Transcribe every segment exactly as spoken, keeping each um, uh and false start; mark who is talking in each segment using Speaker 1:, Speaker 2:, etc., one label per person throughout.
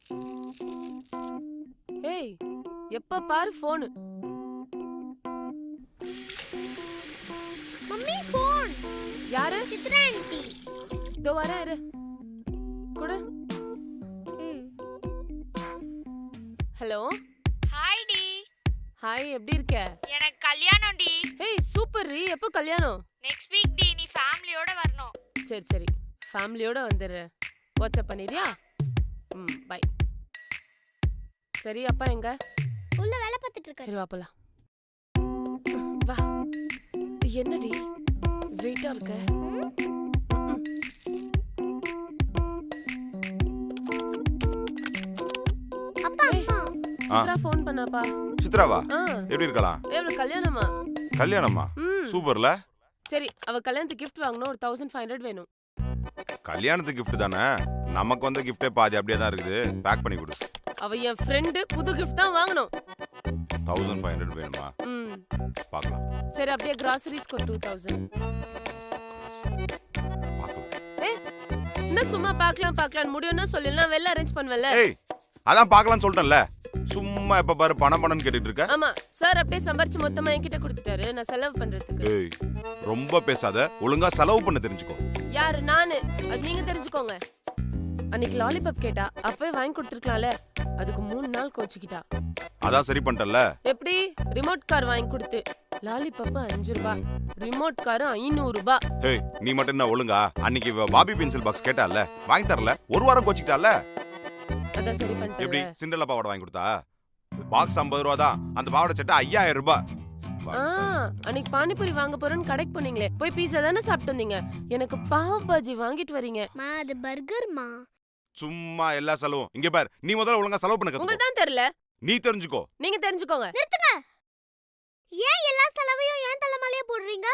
Speaker 1: ஏய், எப்ப பாரு போன்.
Speaker 2: Mummy phone.
Speaker 1: யாரு?
Speaker 2: சித்ரா ஆன்ட்டி.
Speaker 1: இதோ வரேன் இரு. குடு. ஹலோ.
Speaker 3: Hi D.
Speaker 1: ஹாய், எப்படி இருக்க?
Speaker 3: எனக்கு கல்யாணம் டி.
Speaker 1: ஏய் சூப்பர் ரி, எப்போ கல்யாணம்?
Speaker 3: நெக்ஸ்ட் வீக் டி, நீ ஃபேமிலியோட வரணும்.
Speaker 1: சரி சரி, ஃபேமிலியோட வந்துடுற. வாட்ஸ்அப் பண்ணிரியா? ம் பை. சரி, அப்பா எங்க?
Speaker 2: உள்ள வேலை பார்த்துட்டு இருக்காரு.
Speaker 1: சரி வா போலாம். வா. என்னடி வெயிட்டா இருக்க?
Speaker 2: அப்பா அம்மா.
Speaker 1: சித்ரா ஃபோன் பண்ணாப்பா.
Speaker 4: சித்ராவா?
Speaker 1: ஆ.
Speaker 4: எப்படி இருக்கலாம்?
Speaker 1: ஏவல கல்யாணமா?
Speaker 4: கல்யாணமா?
Speaker 1: ம்.
Speaker 4: சூப்பர்ல.
Speaker 1: சரி, அவ கல்யாணத்துக்கு gift வாங்கணும். ஒரு பதினைந்து ஐநூறு வேணும்.
Speaker 4: கல்யாணத்துக்கு gift தானே? நமக்கு வந்த gift பாதி அப்படியே தான் இருக்குது. பேக் பண்ணி கொடு.
Speaker 1: அவ என் ஃப்ரெண்ட், புது gift தான் வாங்கணும்.
Speaker 4: பதினைந்து ஐநூறு வேணுமா?
Speaker 1: ம்.
Speaker 4: பார்க்கலாம்.
Speaker 1: சரி, அப்படியே groceries க்கு இரண்டாயிரம்.
Speaker 4: பார்க்கலாம்.
Speaker 1: ஏய், என்ன சும்மா பார்க்கலாம் பார்க்கலாம் முடியும்னா சொல்லலாம், வெல்ல அரேஞ்ச் பண்ணுவல.
Speaker 4: ஏய், அதான் பார்க்கலாம்னு சொல்லிட்டேன்ல. சும்மா எப்ப பாரு பணம் பணம்னு கேட்டிட்டு இருக்க.
Speaker 1: ஆமா, சார் அப்படியே சம்பாரிச்சு மொத்தமா என்கிட்ட கொடுத்துட்டாரு, நான் செலவு பண்றதுக்கு.
Speaker 4: ஏய், ரொம்ப பேசாத, ஒழுங்கா செலவு பண்ண தெரிஞ்சுக்கோ.
Speaker 1: யாரு? நானு. அது நீங்க தெரிஞ்சுக்கோங்க. அன்னைக்கு லாலிபாப் கேட்டா, அப்பவே வாங்கி கொடுத்துருக்கலாம்ல. அதுக்கு மூணு நாள் கோச்சிக்கிட்டா.
Speaker 4: அதான் சரி பண்ணிட்டல்ல.
Speaker 1: எப்படி? ரிமோட் கார் வாங்கி கொடுத்து. லாலிபாப் அஞ்சு ரூபாய், ரிமோட் கார் ஐநூறு ரூபாய்.
Speaker 4: ஏய், நீ மட்டும் என்ன ஒழுங்கா? அன்னைக்கு பாபி பென்சில் பாக்ஸ் கேட்டால, வாங்கி தரல. ஒரு வாரம் கோச்சிக்கிட்டால.
Speaker 1: அதான் சரி
Speaker 4: எப்படி?
Speaker 1: பண்ணிட்டேன்.
Speaker 4: சிண்டலா பாவாடை வாங்கி கொடுத்தா? பாக்ஸ் ஐம்பது ரூபா தான். அந்த பாவாடை சட்டை ஐயாயிரம் ரூபாய்.
Speaker 1: ஆ, அன்னைக்கு பானிபூரி வாங்க போறேன்னு கடைக்கு போனீங்களே, போய் பீஸா தானே சாப்பிட்டு வந்தீங்க. எனக்கு பாவ் பாஜி வாங்கிட்டு வரீங்க.
Speaker 2: மா அது பர்கர்மா.
Speaker 4: சும்மா எல்லா செலவும் இங்க பாரு. நீ முதல்ல ஒழுங்கா செலவு பண்ண கத்துக்கோ.
Speaker 1: உங்களுக்கு தான் தெரியல,
Speaker 4: நீ தெரிஞ்சுக்கோ.
Speaker 1: நீங்க தெரிஞ்சுக்கோங்க.
Speaker 2: நிறுத்துங்க. ஏன் எல்லா செலவையும் ஏன் தலைமையிலே போடுறீங்க?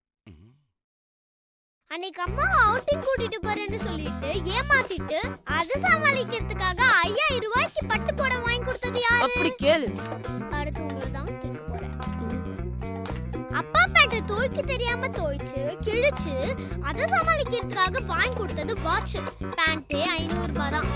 Speaker 2: அன்னைக்கு அம்மா அவுட்டிங் கூட்டிட்டு போறேன்னு சொல்லிட்டு ஏமாத்திட்டு அது சமாளிக்கிறதுக்காக ஐயாயிரம் ரூபாய்க்கு பட்டு புடவை வாங்கி கொடுத்தது யாரு?
Speaker 1: அப்படி கேளு.
Speaker 2: அடுத்து உங்களை தான் கேட்க போறேன். அப்பா பேட்டை தோய்க்கு தெரியாம தோய்ச்சு கிழிச்சு அதை சமாளிக்கிறதுக்காக வாங்கி கொடுத்தது வாட்ச். பேண்டே ஐநூறு ரூபாய் தான்.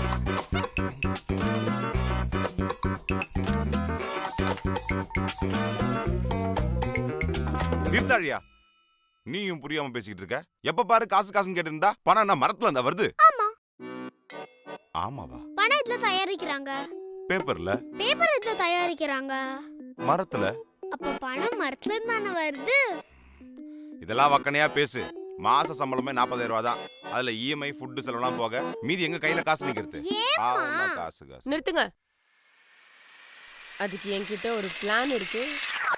Speaker 4: நிறுத்தாழியா, நீயும் புரியாம பேசிக்கிட்டு இருக்க. எப்ப பாரு காசு காசுன்னு கேட்டு இருந்தா பணம் என்ன மரத்துல இருந்தா வருது?
Speaker 2: ஆமா.
Speaker 4: ஆமாவா?
Speaker 2: பணம் இதுல தயாரிக்கிறாங்க.
Speaker 4: பேப்பர்ல.
Speaker 2: பேப்பர் இதுல தயாரிக்கிறாங்க.
Speaker 4: மரத்துல.
Speaker 2: அப்ப பணம் மரத்துல இருந்தானே வருது.
Speaker 4: இதெல்லாம் வக்கனையா பேசு. மாச சம்பளமே நாற்பதாயிரம் ரூபாய் தான். அதுல இஎம்ஐ ஃபுட் செலவுலாம் போக மீதி எங்க கையில காசு நிக்கிறது? ஆமா, காசு காசு.
Speaker 1: நிறுத்துங்க. அதுக்கு என்கிட்ட ஒரு பிளான் இருக்கு.